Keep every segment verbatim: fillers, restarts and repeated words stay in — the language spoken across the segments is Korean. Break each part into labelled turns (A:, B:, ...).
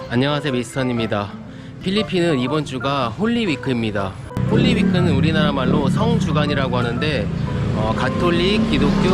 A: 안녕하세요, 미스턴입니다. 필리핀은 이번 주가 홀리위크입니다. 홀리위크는 우리나라 말로 성주간이라고 하는데 어, 가톨릭, 기독교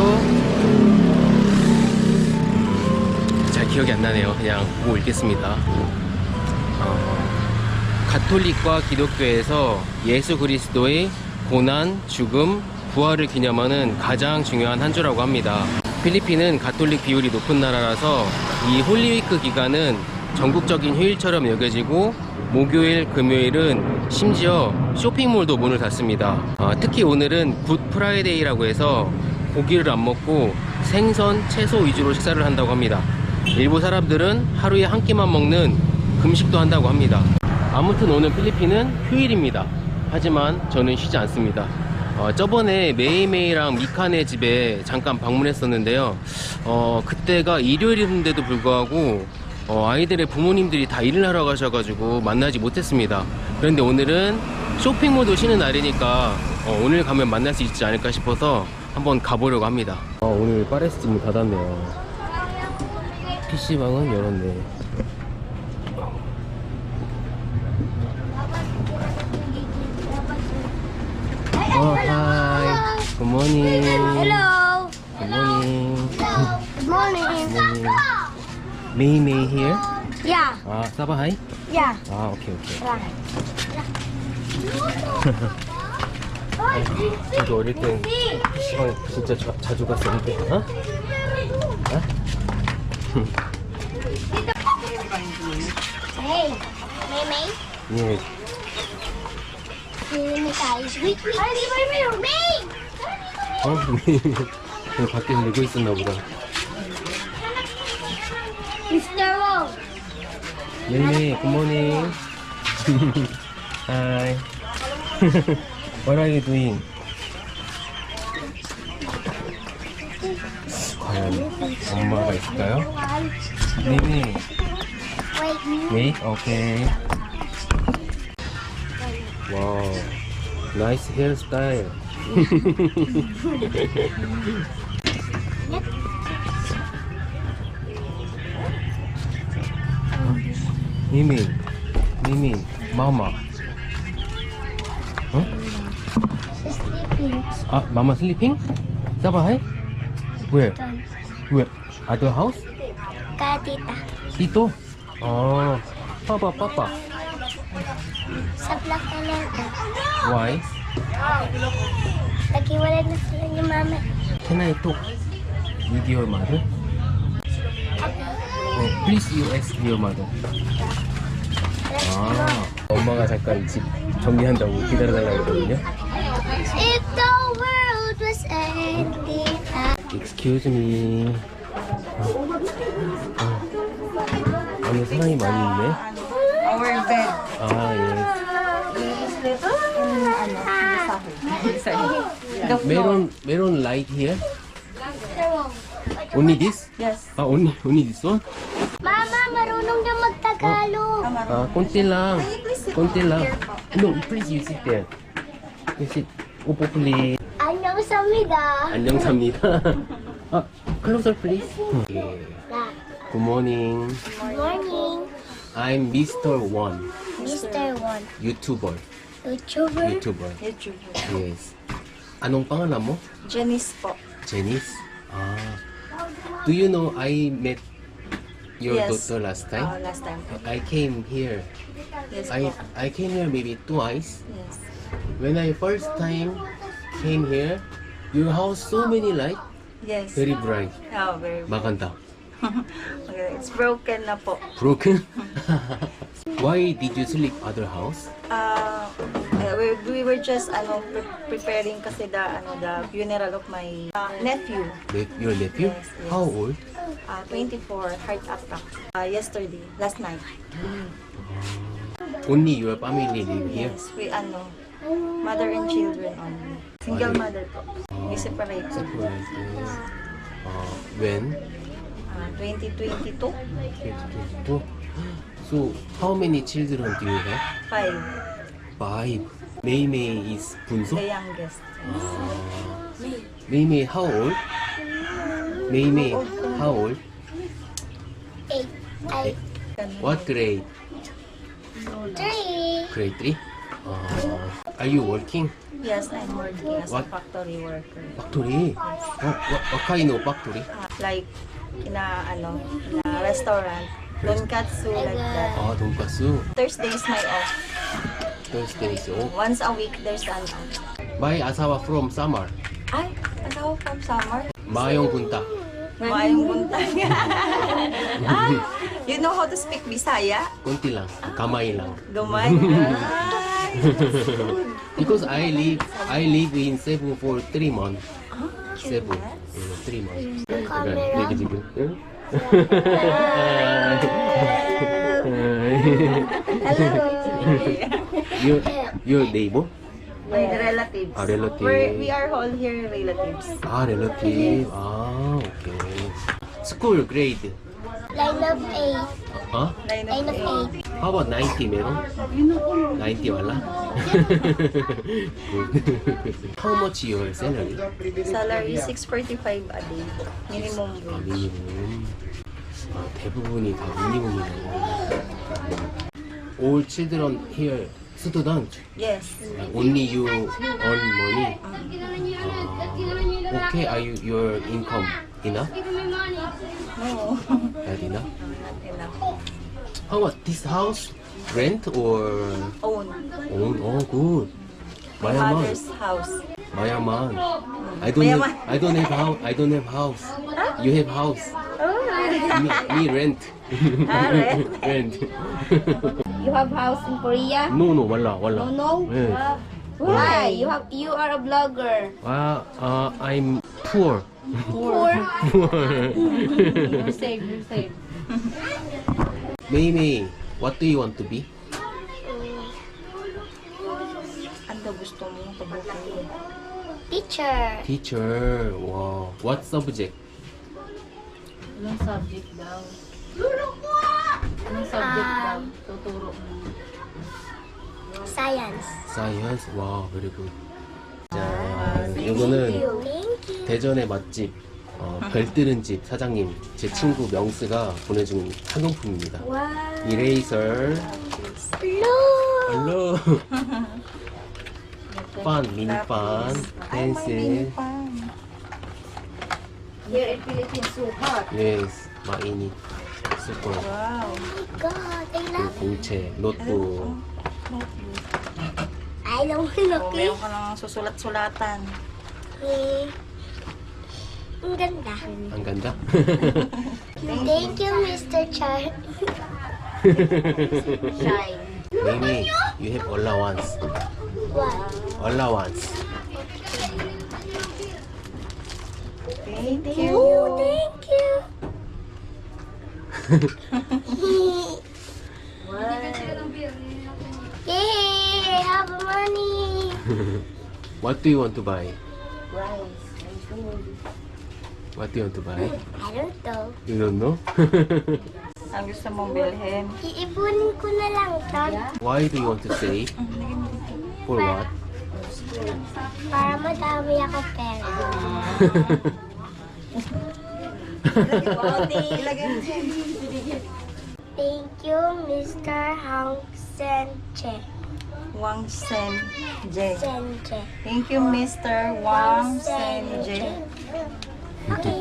A: 잘 기억이 안 나네요. 그냥 보고 읽겠습니다. 어, 가톨릭과 기독교에서 예수 그리스도의 고난, 죽음, 부활을 기념하는 가장 중요한 한 주라고 합니다. 필리핀은 가톨릭 비율이 높은 나라라서 이 홀리위크 기간은 전국적인 휴일처럼 여겨지고 목요일, 금요일은 심지어 쇼핑몰도 문을 닫습니다. 어, 특히 오늘은 굿 프라이데이라고 해서 고기를 안 먹고 생선, 채소 위주로 식사를 한다고 합니다. 일부 사람들은 하루에 한 끼만 먹는 금식도 한다고 합니다. 아무튼 오늘 필리핀은 휴일입니다. 하지만 저는 쉬지 않습니다. 어, 저번에 메이메이랑 미카네 집에 잠깐 방문했었는데요. 어, 그때가 일요일인데도 불구하고 어, 아이들의 부모님들이 다 일을 하러 가셔가지고 만나지 못했습니다. 그런데 오늘은 쇼핑몰도 쉬는 날이니까 어, 오늘 가면 만날 수 있지 않을까 싶어서 한번 가보려고 합니다. 아, 오늘 파레스 문 닫았네요. 피시방은 열었네. 어, 하이. 굿모닝.
B: Hello.
A: 굿모닝.
B: Good morning.
A: 메이 메이 here?
B: Yeah.
A: 아, 사바 하이?
B: Yeah.
A: 아, 오케이 오케이. 저도 어릴 땐 피시방 진짜 자, 자주 갔었는데. 어? 어?
B: Hey, May May.
A: 예.
B: May guys. Wait, wait, wait, May.
A: 어? 그냥 밖에서 놀고 있었나 보다.
B: Mister Wong.
A: 메이메이, 굿모닝. Hi. What are you doing? 과연 엄마가 있을까요? 메이메이.
B: Wait.
A: 메이? 오케이. 와우. 나이스 헤어스타일. 미민, 미민, 마마. 어?
B: Sleeping.
A: 아, 마마 슬리핑? 사바 하이? Where? Where? Other house?
B: Katita.
A: Dito? Oh, papa, papa.
B: Sa black talaga.
A: Why?
B: Naghiwalay na sila ni Mama.
A: Can I talk with your mother? Oh, please you ask your mother. 아, 엄마가 잠깐 집 정리한다고 기다려달라고 했거든요.
B: If the world was ending.
A: Excuse me. 아, 아, 안에 사람이 많이 있네.
C: Our bed.
A: 아, 예.
C: The floor.
A: 메론, 메론 light here? Only this?
C: Yes.
A: 아, only, only this one?
B: Mama, marunong na magtagalog.
A: 아, konti lang. konti lang. No, please you sit there. You sit. 오po, please.
B: Annyeong samida.
A: 안녕 삽니다. 아, closer please. 예. Good morning.
B: Good morning,
A: I'm Mister One.
B: Mister Won.
A: YouTuber.
B: YouTuber.
A: YouTuber.
C: YouTube.
A: Yes. Anong pangalan mo?
C: Janice po.
A: Janice? Ah. Do you know I met your
C: Yes.
A: daughter last
C: Uh,
A: time?
C: last time.
A: I came here.
C: Yes
A: I
C: po.
A: I came here maybe twice.
C: Yes.
A: When I first time came here, your house so many light,
C: Yes.
A: very bright.
C: Oh, very
A: maganda.
C: okay, it's broken na po.
A: Broken? Why did you sleep other house?
C: Uh, eh, we, we were just ano pre- preparing kasi the ano the funeral of my uh, nephew.
A: Ne- your nephew?
C: Yes, yes.
A: How old?
C: Uh, twenty-four, heart attack. Uh, yesterday, last night.
A: Only your family live here?
C: Yes, we ano mother and children only. Single mother po. We separate.
A: Surprise. Uh, when?
C: Uh, twenty twenty-two,
A: twenty twenty-two. So, how many children do you have?
C: five.
A: Five. Mei Mei is bunso?
C: The youngest.
A: Mei Mei, how old? Mei Mei, how old?
B: Eight. Eight.
C: Ganun.
A: What grade?
B: Three.
A: Grade three? Uh, are you working?
C: Yes, I'm working as
A: What?
C: a factory worker.
A: Factory? What, what, what kind of factory?
C: Ah, like, kina, ano, na restaurant. Tonkatsu, like that.
A: 아, 돈가스.
C: Thursday is my off.
A: Thursday is off.
C: Once a week, there's an off.
A: My asawa from Samar.
C: Ay, asawa from summer.
A: 마영 군타.
C: Maayong buntag. Ah, you know how to speak Bisaya?
A: kunti lang. Kamay lang.
C: Gamay. Ay,
A: Because I live, I live in Cebu for three months. Cebu. Mm, three months.
B: Camera.
A: 이렇게 지금. 응?
C: hello.
A: your, your neighbor?
C: My relatives.
A: Ah, relative.
C: We're, we are all here relatives.
A: 아, relative. 아, 오케이. School grade.
B: Line of eight.
A: 어?
C: Line
B: Line
C: of
B: of
C: eight.
B: eight.
A: How about ninety meron? ninety wala? Good. How much your salary?
C: Salary six forty-five a day. Minimum
A: 아,
C: wage.
A: 미니멈. 아, 대부분이 다 미니멈이네. All children here student.
C: Yes.
A: Only you earn money. Uh, okay, are you your income enough?
C: No.
A: Not enough.
C: Not enough.
A: How about this house? Rent or
C: Own.
A: own? Oh, good.
C: My
A: Mayaman.
C: mother's house.
A: Mayaman. I don't
C: Mayaman.
A: have. I don't have house. I don't have house. You have house. Me, me rent.
C: Ah, rent.
A: rent.
D: You have house in Korea?
A: no, no, wala, wala.
D: No, no?
A: 예.
D: Why? You have you are a blogger.
A: 아, uh, I'm poor.
D: Poor.
A: poor.
D: You're safe, you're safe.
A: Mimi, what do you want to be?
C: Ano gusto mo pabukin?
B: Teacher.
A: Teacher. Wow. What subject?
D: Anong subject daw? Anong subject daw? Tuturo mo.
B: Science.
A: Science. Wow, very good. 자,
B: Thank
A: 이거는
B: you. Thank you.
A: 대전의 맛집 어, 별뜨는 집 사장님 제 친구 명스가 보내준 학용품입니다.
B: Wow.
A: 이레이서,
B: Look.
A: 얼로, 판, 미니판, 펜슬,
D: Here in Philippines, so hot.
A: 예스, 마이니, 슈퍼,
C: Wow.
B: God, I love
A: 그 공채, 노트북.
B: I don't
C: Oh,
B: look
C: meron ka nang susulat-sulatan.
B: eh. Ang ganda.
A: 안 간다?
B: Thank you, Mister Char.
D: Shine.
A: Mimi, you have allowance.
B: What?
A: allowance.
C: Thank you.
B: Oh, thank you. Yay! I have money.
A: What do you want to buy?
C: Rice.
A: What do you want to buy?
B: I don't know.
A: You don't know?
C: Ang gusto mong bilhin?
B: Iipunin ko na lang ito
A: Why do you want to save? For what?
B: para madami ako pera.
C: Ilagay mo siya.
B: Thank you, Mister Hang Senche.
C: Wang Sen J.
B: Senche.
C: Thank you, Mister Wang Sen J.
B: Okay.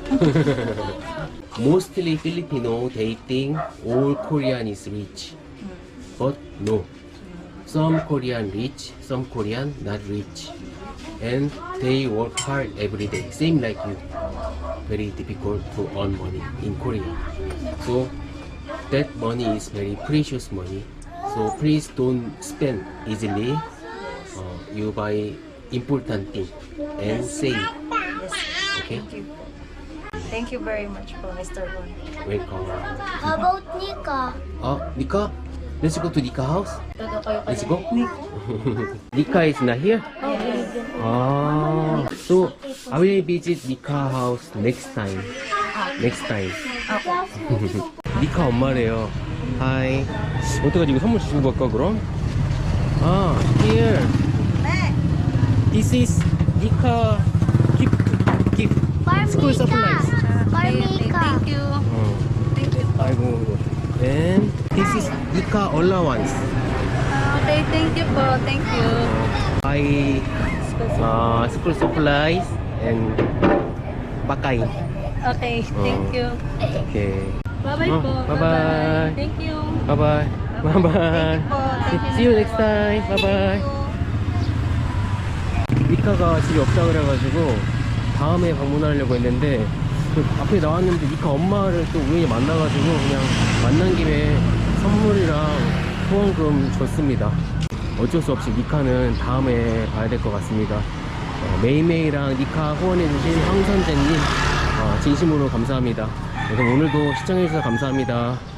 A: Mostly Filipino dating all Korean is rich. But no. Some Korean rich, some Korean not rich. And they work hard every day. Same like you. Very difficult to earn money in Korea. So that money is very precious money. So please don't spend easily. Uh, you buy important thing and save.
C: Yes.
A: Okay?
C: Thank you. Thank you very much po, Mister Wang.
A: Welcome.
B: How about Nika?
A: 아, 니카? Let's go to Nika house.
D: Todo kayo
A: Let's
D: kaya.
A: go. Nika is not here? Ah, so I will visit Nika house next time. Next time. 니카 엄마래요. Hi. 어떡하지? 이거 선물 주고 갈까 그럼? 아, here. This is Nika gift. Gift.
B: For
A: School
B: Mika.
A: supplies.
B: For Mika.
D: Thank you.
A: 어.
D: Thank you.
A: 아이고. And this is Ika allowance.
D: Okay, thank you po. Thank you.
A: Buy uh, school supplies and pakay.
D: Okay, thank you.
A: Okay.
D: Bye-bye
A: Oh,
D: po.
A: bye-bye.
D: Thank you.
A: Bye bye. Bye bye. See you next time. Bye bye. 이카가 집에 없다 그래가지고 다음에 방문하려고 했는데 그 앞에 나왔는데 이카 엄마를 또 우연히 만나가지고 그냥 만난 김에 선물이랑 후원금 줬습니다. 어쩔 수 없이 니카는 다음에 봐야 될 것 같습니다. 어, 메이메이랑 니카 후원해주신 황선재님 어, 진심으로 감사합니다. 그래서 오늘도 시청해주셔서 감사합니다.